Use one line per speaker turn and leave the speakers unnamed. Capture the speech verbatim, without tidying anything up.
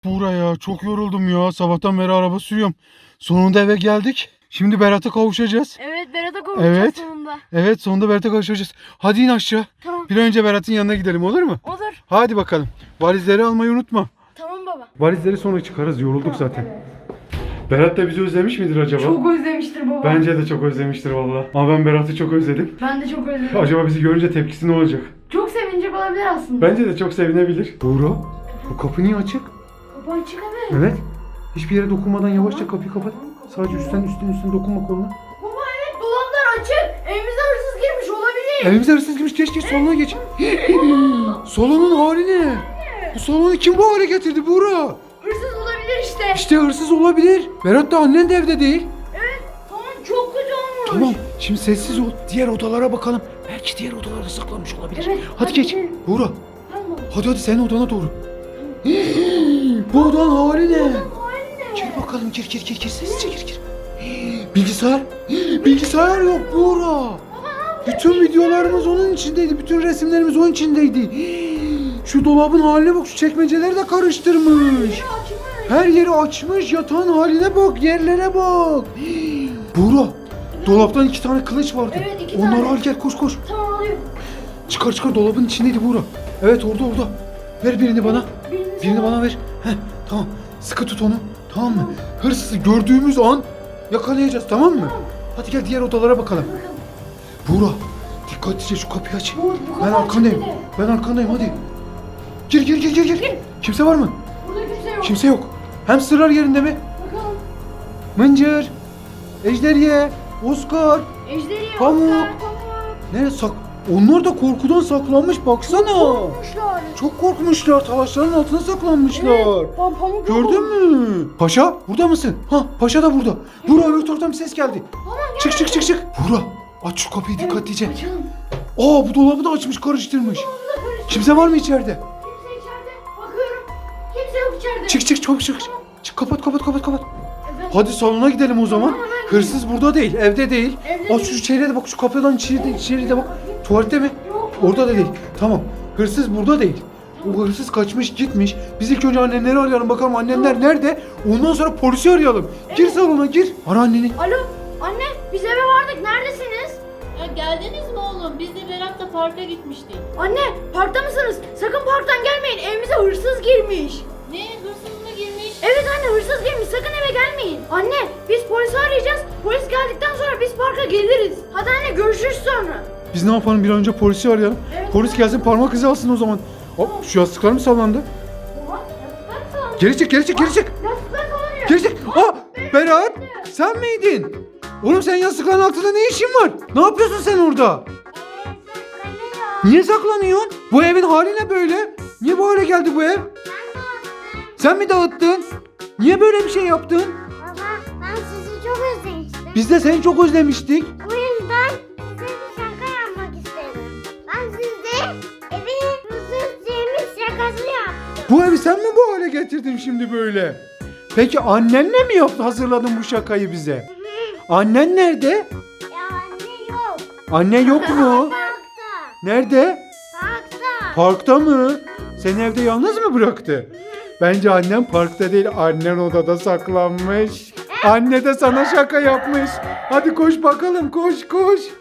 Buraya çok yoruldum ya. Sabahtan beri araba sürüyorum. Sonunda eve geldik. Şimdi Berat'a kavuşacağız.
Evet, Berat'a kavuşacağız
Evet.
sonunda.
Evet, sonunda Berat'a kavuşacağız. Hadi in aşağı.
Tamam.
Bir an önce Berat'ın yanına gidelim, olur mu?
Olur.
Hadi bakalım. Valizleri almayı unutma.
Tamam baba.
Valizleri sonra çıkarız. Yorulduk zaten. Berat da bizi özlemiş midir acaba?
Çok özlemiştir baba.
Bence de çok özlemiştir valla. Ama ben Berat'ı çok özledim.
Ben de çok özledim.
Acaba bizi görünce tepkisi ne olacak?
Çok sevinecek olabilir aslında.
Bence de çok sevinebilir. Buğra, bu kapı niye açık?
Kapı açık evet.
Evet. Hiçbir yere dokunmadan yavaşça kapıyı kapat. Sadece üstten üstten üstten dokunma koluna.
Baba evet, dolaplar açık. Evimize hırsız girmiş olabilir.
Evimize hırsız girmiş. Geç geç salona geç. Salonun hali ne? Bu salonu kim bu hale getirdi Buğra?
Hırsız olabilir işte.
İşte hırsız olabilir. Berat da annen de evde değil.
Evet, tamam, çok kötü olmuş.
Tamam. Şimdi sessiz ol. Diğer odalara bakalım. Belki diğer odalarda saklanmış olabilir.
Evet,
hadi,
hadi
geç.
gidelim.
Buğra.
Tamam baba.
Hadi hadi senin odana doğru. Bu odanın hali ne?
Haline.
Gir bakalım, gir gir gir gir sessizce gir gir. Bilgisayar. Bilgisayar yok Buğra. Bütün videolarımız onun içindeydi. Bütün resimlerimiz onun içindeydi. Şu dolabın haline bak. Şu çekmeceleri de karıştırmış.
Açmış.
Her yeri açmış. Yatağın haline bak. Yerlere bak. Buğra. Dolaptan iki tane kılıç vardı.
Evet, iki
Onları
tane.
al gel, koş koş.
Tamam, alıyorum.
Çıkar çıkar, dolabın içindeydi Buğra. Evet, orada orada. Ver birini bana.
Birini
Birini bana ver. Heh, tamam. Sıkı tut onu. Tamam mı? Hırsızı gördüğümüz an yakalayacağız, tamam mı? Hadi gel diğer odalara bakalım. Buğra, dikkatlice şu kapıyı aç.
Bu- bu kapı
Ben
açık
arkandayım.
bir de.
Ben arkandayım, hadi. Gir gir gir gir gir. Kimse var mı?
Burada kimse yok.
Kimse yok. Hamsterlar yerinde mi?
Bakalım.
Mıncır, Ejderye, Oscar.
Ejderi,
Pamuk.
Oscar, Pamuk.
Ne sak? Onlar da korkudan saklanmış, baksana.
Korkmuşlar.
Çok korkmuşlar. Talaşların altına saklanmışlar.
Evet, Pam Pamuk yok
Gördün
olmuş.
mü? Paşa burada mısın? Ha, Paşa da burada. Buğra, öbür taraftan bir ses geldi.
Tamam, gel.
Çık çık çık çık. Buğra, aç şu kapıyı
Evet,
dikkatlice.
açalım.
Aa, bu dolabı da açmış, karıştırmış.
Burada karışık.
Kimse var mı içeride?
Kimse içeride. Bakıyorum. Kimse yok içeride.
Çık çık, çabuk çık. Çık, kapat kapat kapat kapat.
Evet.
Hadi salona gidelim o zaman.
Tamam, hemen
Hırsız burada değil, evde değil.
Evde
Aç şu
değil.
içeriye de bak, şu kapıdan içeri de, içeri de bak. Tuvalette mi?
Yok.
Orada da değil. Tamam. Hırsız burada değil. O hırsız kaçmış gitmiş. Biz ilk önce annenleri arayalım, bakalım annenler nerede. Ondan sonra polisi arayalım. Gir salona gir. Ara anneni.
Alo. Anne, biz eve vardık. Neredesiniz?
Ya geldiniz mi oğlum? Biz de Berat'la parka gitmiştik.
Anne, parkta mısınız? Sakın parktan gelmeyin. Evimize hırsız girmiş.
Ne? Hırsız mı girmiş?
Evet anne, hırsız girmiş. Sakın eve gelmeyin. Anne, biz polisi arayacağız. Polis geldikten sonra biz parka geliriz. Hadi anne, görüşürüz sonra.
Biz ne yapalım, bir an önce polisi arayalım.
Evet.
Polis gelsin, parmak izi alsın o zaman. Hop, şu yastıklar mı sallandı?
Oha, yastıklar sallanıyor.
Geri çık, geri çık, geri çık.
Yastıklar sallanıyor.
Geri çık. Aa, Berat, sen miydin? Oğlum, sen yastıkların altında ne işin var? Ne yapıyorsun sen orada? Niye saklanıyorsun? Bu evin hali ne böyle? Niye bu hale geldi bu ev? Sen mi dağıttın? Niye böyle bir şey yaptın?
Baba, ben sizi çok özlemiştim.
Biz de seni çok özlemiştik.
Bu yüzden size bir şaka yapmak istedim. Ben sizde evi hırsız yemiş şakası yaptım.
Bu evi sen mi bu hale getirdin şimdi böyle? Peki annenle mi yaptı, hazırladın bu şakayı bize? Annen nerede?
Ya anne yok.
Anne yok mu?
Parkta.
Nerede?
Parkta.
Parkta mı? Seni evde yalnız mı bıraktı? Bence annen parkta değil, annen odada saklanmış. Anne de sana şaka yapmış. Hadi koş bakalım, koş koş.